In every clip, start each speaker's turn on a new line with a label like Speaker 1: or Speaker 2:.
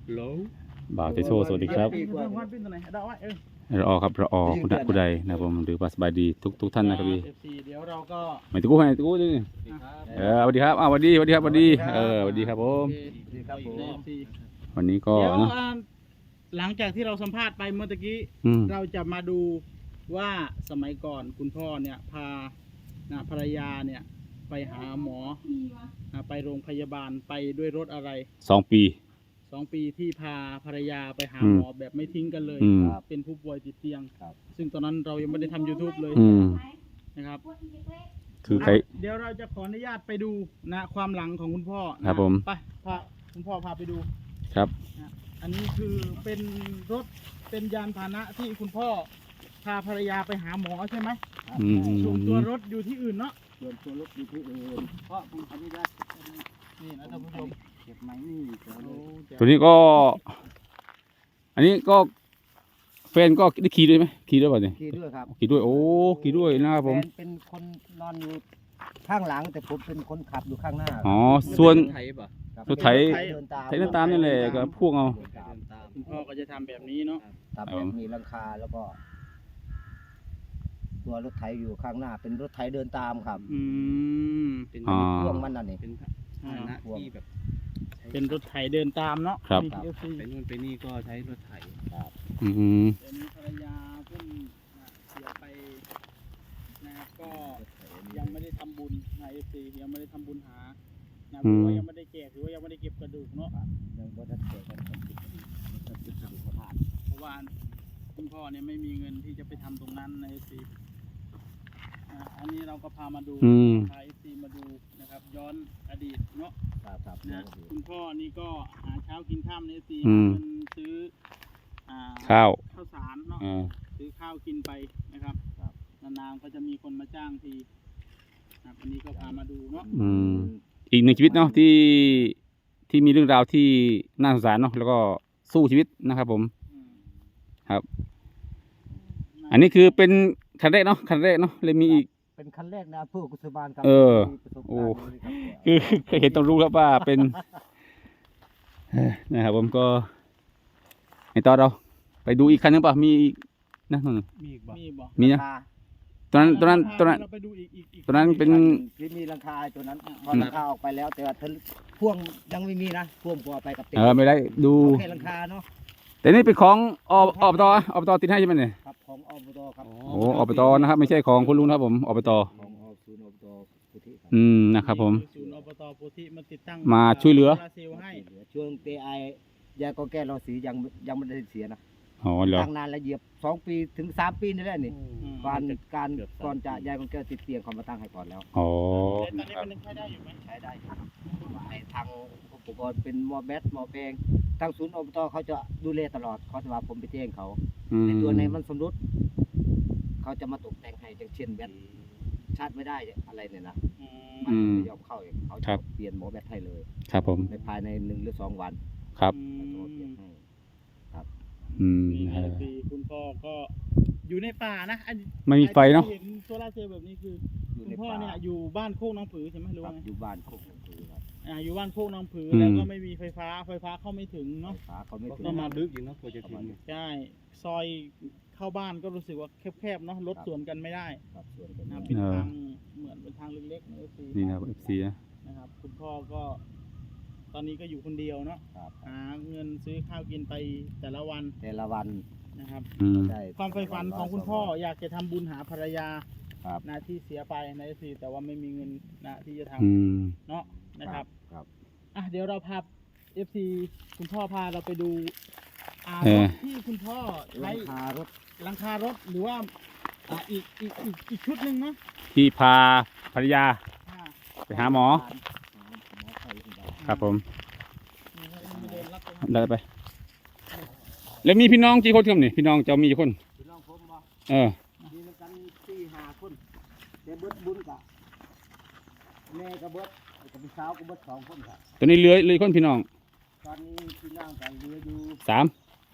Speaker 1: บ่าวเตโชสวัสดีครับรอครับรอคุณใดคุณใดนะผมหรือว่าสบายดีทุกท่านนะครับพี่
Speaker 2: เดี๋ยวเราก็
Speaker 1: ไม่ตะกู้ให้ตะกู้ดิสวัสดีครับสวัสดีครับสวัสดีสวัสดีครับผมวันนี้ก็
Speaker 2: เดี๋ยว
Speaker 1: นะ
Speaker 2: หลังจากที่เราสัมภาษณ์ไปเมื่อตะกี้เราจะมาดูว่าสมัยก่อนคุณพ่อเนี่ยพาภรรยาเนี่ยไปหาหมอไปโรงพยาบาลไปด้วยรถอะไร
Speaker 1: 2 ปี
Speaker 2: 2 ปีที่พาภรรยาไปหาหมอแบบไม่ทิ้งกันเลยเป็นผู้ป่วยติดเตียงซึ่งตอนนั้นเรายังไม่ได้ทำ YouTube เลยนะครับ
Speaker 1: คือใคร
Speaker 2: เดี๋ยวเราจะขออนุญาตไปดูความหลังของคุณพ่อ
Speaker 1: ครับผม
Speaker 2: ไปพาคุณพ่อพาไปดู
Speaker 1: ครับ
Speaker 2: อันนี้คือเป็นรถเป็นยานพาหนะที่คุณพ่อพาภรรยาไปหาหมอใช่ไหมส่วนตัวรถอยู่ที่อื่นเนาะ
Speaker 3: ส่วนตัวรถอยู่ที่อื่นเพราะผมอนุญาต
Speaker 2: นี่นะท่านผู้ชม
Speaker 3: เก็บไม้นี่
Speaker 1: ตัวนี้ก็ อันนี้ก็แฟนก็ได้ขี่ด้วยไหมขี่ด้วยป่ะเนี่ย
Speaker 3: ขี่ด้วยครับ
Speaker 1: ขี่ด้วยโอ้ขี่ด้วยนะครับผม
Speaker 3: เป็นคนนอนอยู่ข้างหลังแต่ผมเป็นคนขับอยู่ข้างหน้า
Speaker 1: อ๋อส่วนรถไถ
Speaker 3: เดิน
Speaker 1: ตามนี่แหละก็พ่วงเอา
Speaker 2: คุณพ่อก็จะทำแบบนี้เนาะ
Speaker 3: ทำแบบมีหลังคาแล้วก็ตัวรถไถอยู่ข้างหน้าเป็นรถไถเดินตามครับเป็นพ่วงมันนั่นเอง
Speaker 2: เป็นภาชนะที่แบบเป็นรถไถเดินตามเนาะ
Speaker 1: ครับ
Speaker 3: ไปนู่นไปนี่ก็ใช้รถไถครับ
Speaker 2: เดี๋ยวนี้ภรรยาเพิ่งเสียไปนะครับก็ยังไม่ได้ทำบุญในFCยังไม่ได้ทำบุญหาหรือว่ายังไม่ได้แกะหรือว่ายังไม่ได้เก็บกระดูกเนาะ
Speaker 3: ยังไม่ได้เก็บกัน
Speaker 2: เพราะว่าคุณพ่อเนี่ยไม่มีเงินที่จะไปทำตรงนั้นในFCอันนี้เราก็พามาดูพาFCมาดูนะครับย้อนอดีตเนาะนะคุณพ่อนี่ก็หาเช้ากินข้ามในFCเงินซื้อ
Speaker 1: ข้าว
Speaker 2: สารเนาะซื้อข้าวกินไปนะครับนานๆก็จะมีคนมาจ้างทีอันนี้ก็พามาดูเนาะ
Speaker 1: อีกหนึ่งชีวิตเนาะที่มีเรื่องราวที่น่าสงสารเนาะแล้วก็สู้ชีวิตนะครับผมครับอันนี้คือเป็นคันแรกเนาะเลยมีอีก
Speaker 3: เป็นคันแรกนะผู้กุศลบาลครับ
Speaker 1: โอ้คือเคยเห็นต้องรู้ครับว่าเป็นนะครับผมก็ในตอนเราไปดูอีกคันนึงป่ะมีอีกนะมีนะตอนนั้นตอนนั้นเป็น
Speaker 3: มีหลังคาตัวนั้นพอหลังคาออกไปแล้วแต่ว่าพ่วงยังไม่มีนะพ่วงพอไปกับเต็
Speaker 1: มไม่ได้ดู
Speaker 3: แค่หลังคาเนาะ
Speaker 1: แต่นี่เป็นของอบตติดให้ใช่ไหมเนี่ย
Speaker 3: ครับของอบตครับ
Speaker 1: โอ้อบตนะครับไม่ใช่ของคุณลุงครับผมอบต
Speaker 3: ของศูนย์อบตโพธิ
Speaker 1: นะครับผม
Speaker 2: ศูนย์อบตโพธิมาติดตั้ง
Speaker 1: มาช่วยเหลือ
Speaker 3: ช่วงเตยาก็แก้รอสียังไม่ได้เสียนะ
Speaker 1: ตั้
Speaker 3: งนานแล้วเหยียบ2 ปีถึง3 ปีนี่แหละนี่ก่อนจะยายก็แก้ติดเตียงเขามาตั้งให้ก่อนแล้ว
Speaker 2: ตอนนี้มันใช้ได้อยู่ไหม
Speaker 3: ใช้ได้ในทางอุปกรณ์เป็นหม้อแบตหม้อแปลงทางศูนย์อบตเขาจะดูแลตลอดเขาจะว่าผมไปแจ้งเขาในตัวในมันสมรุดเขาจะมาตกแต่งให้อย่างเช่นแบตชาร์จไม่ได้อะไรเนี่ยนะมันยอมเข้าเองเขาจะเปลี่ยนหม้อแบตให้เลย
Speaker 1: ครับผม
Speaker 3: ในภายใน1 หรือ 2 วัน
Speaker 1: ครับ
Speaker 3: ครับ
Speaker 2: คุณพ่อก็อยู่ในป่านะ
Speaker 1: ไม่มีไฟเนาะ
Speaker 2: เห็นโซล่าเซลล์แบบนี้คือคุณพ่อเนี่ยอยู่บ้านโคกน้องผือใช่ไหมหรือว่า
Speaker 3: อยู่บ้านโคกน้องผือครับ
Speaker 2: อยู่บ้านโคกน้องผือแล้วก็ไม่มีไฟฟ้าเข้าไม่ถึงเนาะ
Speaker 3: ต้องมาลึกอยู่นะกว่าจะถึง
Speaker 2: ใช่ซอยเข้าบ้านก็รู้สึกว่าแคบๆเนาะรถสวนกันไม่ได้เป็นทางเหมือนเป็นทางเล็กๆ
Speaker 1: นี่นะครับ FC
Speaker 2: นะครับคุณพ่อก็ตอนนี้ก็อยู่คนเดียวเนาะหาเงินซื้อข้าวกินไปแต่ละวันนะครับความใฝ่ฝันของคุณพ่ออยากจะทำบุญหาภรรยาที่เสียไปในFCแต่ว่าไม่มีเงินที่จะทำเนาะนะครับเดี๋ยวเราพา FC คุณพ่อพาเราไปดูที่คุณพ่อใช้หลังคารถหรือว่าอีกชุดหนึ่งเนาะ
Speaker 1: ที่พาภรรยาไปหาหมอครับผมได้ไปแล้วมีพี่น้องกี่คนครับนี่พี่น้องจะมีกี่คน
Speaker 3: พี่น้องผมบ่
Speaker 1: มี
Speaker 3: กัน4-5 คนแต่เบิดบุญกะแม่กับเบิดกับพี่สาวกับเบิด2 คนครับ
Speaker 1: ตอนนี้เหลือคนพี่น้อง
Speaker 3: ตอนนี้พี่น้องกันเหลืออยู่
Speaker 1: 3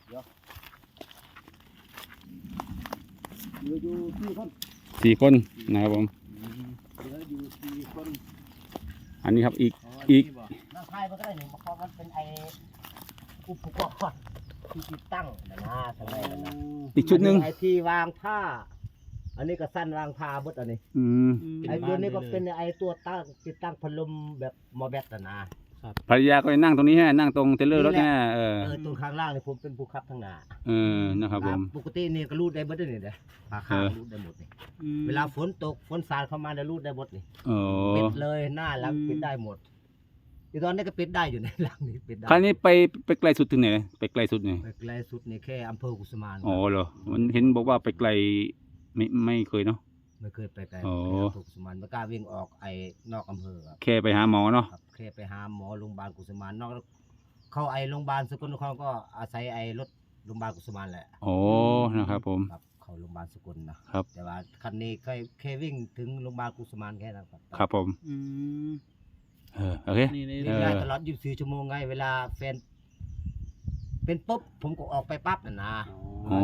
Speaker 3: เหลืออยู่
Speaker 1: 4 คนนะครับผม
Speaker 3: เหลืออยู่4 คน
Speaker 1: อันนี้ครับอีก
Speaker 3: น้าชายมันก็ได้หนึ่งเพราะมันเป็นอุปกรณ์ที่ติดตั้งนะทำไมนะ
Speaker 1: อีกชุดหนึ่ง
Speaker 3: ไอ้ที่วางผ้า อันนี้ก็สั้นวางผ้าบดอันนี้
Speaker 1: อืม
Speaker 3: ไอ้ตัวนี้ก็เป็นไอ้ตัวตั้งติดตั้งพัดลมแบบหมอแบตนะ
Speaker 1: ภรรยาก็จะนั่งตรงนี้ฮะนั่งตรงเทรลเลอร์รถเนี่ย
Speaker 3: ตัวข้างล่างนี่ผมเป็นผู้ขับทางหน้า
Speaker 1: นะครับผม
Speaker 3: ปกตินี่ก็รูดได้เบิดนี่เด้อข้างรูดได้หมดนี่เวลาฝนตกฝนสาดเข้ามาได้รูดได้หมดนี่
Speaker 1: โอ้
Speaker 3: ปิดเลยหน้าหลังปิดได้หมดอีตอนนี้ก็ปิดได้อยู่ในหลังนี่ปิดได้
Speaker 1: คันนี้ไปไกลสุดถึงไหนไปไกลสุดเนี่ย
Speaker 3: ไปไกลสุดนี่แค่อำเภอกุสุมาน
Speaker 1: อ๋อเหรอมันเห็นบอกว่าไปไกลไม่เคยเนาะ
Speaker 3: ไม่เคยไปไกล
Speaker 1: อ๋อ
Speaker 3: แค่อำเภอกุสุมานไม่กล้าวิ่งออกไอ้นอกอำเภอครับ
Speaker 1: แค่ไปหาหมอเนาะ
Speaker 3: ครับแค่ไปหาหมอโรงพยาบาลกุสุมานนอกเข้าไอ้โรงพยาบาลสกลนครก็อาศัยไอ้รถโรงพยาบาลกุสุมานแหละ
Speaker 1: โอ้นะครับผม
Speaker 3: ครับเข้าโรงพยาบาลสกลนะครับ แต่ว่าคันนี้แค่วิ่งถึงโรงพยาบาลกุสุมานแค่นั้นครับ
Speaker 1: ครับผม
Speaker 2: อืม
Speaker 1: โอเค
Speaker 2: นี่
Speaker 3: วิ่งได้ตลอด24 ชั่วโมงไงเวลาแฟนเป็นปุ๊บผมก็ออกไปปั๊บน่ะนะ
Speaker 1: อ๋อ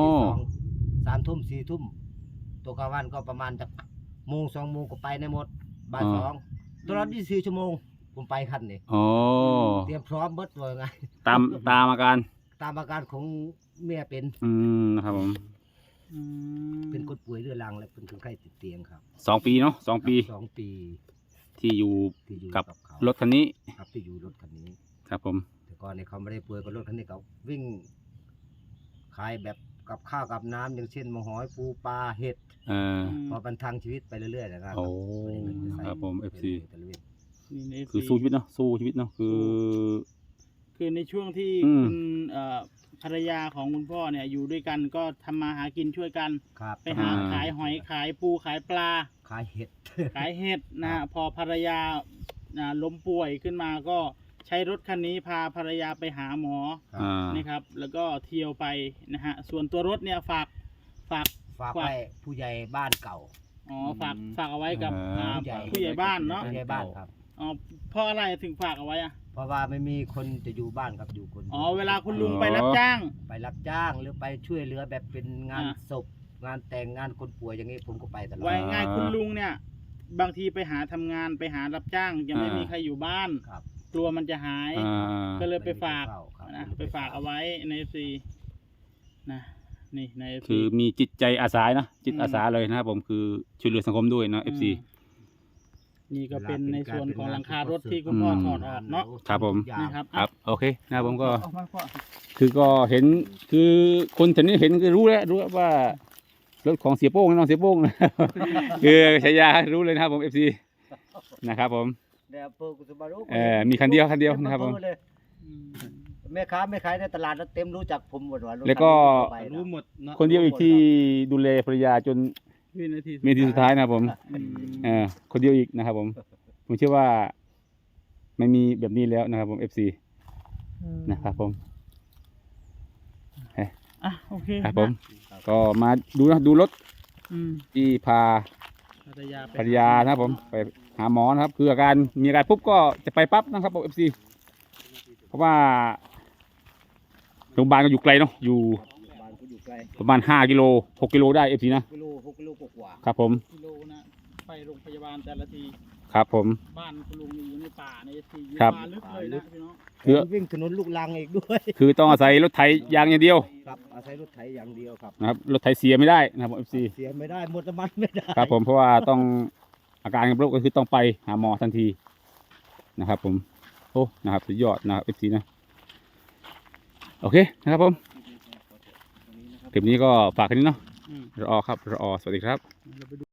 Speaker 3: 3 ทุ่ม 4 ทุ่มตัวกลางวันก็ประมาณจากโมง 2 โมงก็ไปในหมดบ่าย2ตลอด24 ชั่วโมงผมไปคันนี้
Speaker 1: อ๋อ
Speaker 3: เตรียมพร้อมเบิดเลยไง
Speaker 1: ตามอาการ
Speaker 3: ตามอาการของเมียเป็น
Speaker 1: นะครับผม
Speaker 3: เป็นคนป่วยเรื้อรังและเป็นคนไข้ติดเตียงครับ
Speaker 1: 2 ปีเนาะ2 ปี
Speaker 3: 2 ปี
Speaker 1: ที่อยู่
Speaker 3: ที่อยู่
Speaker 1: กับ
Speaker 3: เขา
Speaker 1: รถคันนี้
Speaker 3: ครับที่อยู่รถคันนี้
Speaker 1: ครับผม
Speaker 3: แต่ก่อนเนี่ยเขาไม่ได้ป่วยกับรถคันนี้เขาวิ่งขายแบบกับข้าวกับน้ำอย่างเช่นมะหอยปูปลาเห็ด พอบรรทังชีวิตไปเรื่อยๆนะครับ
Speaker 1: โอ้
Speaker 3: ไม่ได้เงินไปใส่
Speaker 1: ครับผม FC
Speaker 3: ไปเรื่อย
Speaker 2: นี่ใน
Speaker 1: คือสู้ชีวิตเนาะสู้ชีวิตเนาะคือ
Speaker 2: คือในช่วงที่
Speaker 1: อืม
Speaker 2: คุณภรรยาของคุณพ่อเนี่ยอยู่ด้วยกันก็ทำมาหากินช่วยกัน
Speaker 3: ๆครับ
Speaker 2: ไปหาขายหอยขายปูขายปลา
Speaker 3: ขายเห็ด
Speaker 2: ขายเห็ดนะฮะพอภรรยาล้มป่วยขึ้นมาก็ใช้รถคันนี้พาภรรยาไปหาหมอ
Speaker 1: อ่า
Speaker 2: นะครับ แล้วก็เที่ยวไปนะฮะส่วนตัวรถเนี่ยฝาก
Speaker 3: ฝากไว้ผู้ใหญ่บ้านเก่า
Speaker 2: อ๋อฝากเอาไว้กับ
Speaker 3: ผู้ใหญ่
Speaker 2: ผู้ใหญ่บ้านเนาะ
Speaker 3: ผู้ใหญ่บ้านครับ
Speaker 2: อ๋อเพราะอะไรถึงฝากเอาไว้อะ
Speaker 3: เพราะว่าไม่มีคนจะอยู่บ้านครับอยู่คน
Speaker 2: อ๋อเวลาคุณลุงไปรับจ้าง
Speaker 3: ไปรับจ้างหรือไปช่วยเหลือแบบเป็นงาน
Speaker 2: อ่า
Speaker 3: ศพงานแต่งงานคนป่วยอย่างนี้ผมก็ไปตลอด
Speaker 2: ไว้ง่ายคุณลุงเนี่ย บางทีไปหาทำงานไปหารับจ้างยังไม่มีใครอยู่บ้าน
Speaker 3: ครับ
Speaker 2: กลัวมันจะหาย ก็เลยไปฝาก
Speaker 3: ม่มีคนเฝ้าครับ
Speaker 2: นะไปฝากเอาไว้ในซีนะนี่ใน FC
Speaker 1: คือมีจิตใจอาสานะจิตอาสาเลยนะครับผมคือช่วยเหลือสังคมด้วยเนาะ FC
Speaker 2: นี่ก็เป็นในส่วนของหลังคารถที่คุณพ่อถอดออกเนาะ
Speaker 1: ครับผม
Speaker 2: นะครับ
Speaker 1: ครับโอเคนะครับผมก็
Speaker 2: เอามาพ่อ
Speaker 1: คือก็เห็นคือคนแถวนี้เห็นก็รู้แล้วว่ารถของเสียโป้งน้องเสียโป้งนะ คือฉายารู้เลยนะครับผม FC นะครับผม
Speaker 3: เดี๋ยวเปิดกุศลบารุ
Speaker 1: มีคันเดียวนะครับผม
Speaker 3: แม่ค้าไม่ขายในตลาดแล้วเต็มรู้จักผมหมดว่า
Speaker 1: แล้วก็
Speaker 2: รู้หมดเนาะ
Speaker 1: คนเดียวอีกที่ดูแลภรรยาจน
Speaker 2: วินาที
Speaker 1: เมทีสุดท้ายนะครับผม
Speaker 2: อืม
Speaker 1: คนเดียวอีกนะครับผมผมเชื่อว่าไม่มีแบบนี้แล้วนะครับผม FC นะครับผม
Speaker 2: อ่ะโอเค
Speaker 1: ครับผมก็มาดูรถ
Speaker 2: อืม
Speaker 1: ที่พา
Speaker 2: ภรรยาไป
Speaker 1: ภรรยานะครับผมไปหาหมอนะครับคืออาการมีอาการปุ๊บก็จะไปปั๊บนะครับผม FC เพราะว่าโรงพยาบาลก็อยู่ไกลเนาะอยู่
Speaker 3: บ้านก็อยู่ไกล
Speaker 1: ประมาณ5 กิโล 6 กิโลได้ FC นะ
Speaker 3: 6 กิโลกว่า
Speaker 1: ครับผม
Speaker 2: กิโลนะไปโรงพยาบาลแต่ละที
Speaker 1: ครับผม
Speaker 2: บ้านคุณลุงนี่อยู่ในป่าในทีอยู่
Speaker 1: ครับ
Speaker 2: ป่าลึกเลยนะพี่น้อง
Speaker 1: คือ
Speaker 3: วิ่งถนนลูกลังอีกด้วย
Speaker 1: คือต้องอาศัยรถไถยางอย่างเดียว
Speaker 3: ครับอาศัยรถไถอย่างเดียวครับ
Speaker 1: นะครับรถไถเสียไม่ได้นะครับผม FC
Speaker 3: เสียไม่ได้หมดน้ำมันไม่ได้
Speaker 1: ครับผมเพราะว่าต้องอาการกับโรคก็คือต้องไปหาหมอทันทีนะครับผมโอ้นะครับสุดยอดนะครับ FC นะโอเคนะครับผมคลิปนี้ก็ฝากแค่นี้เนาะ
Speaker 2: อืม
Speaker 1: รอครับรอสวัสดีครับ
Speaker 2: เราไปดู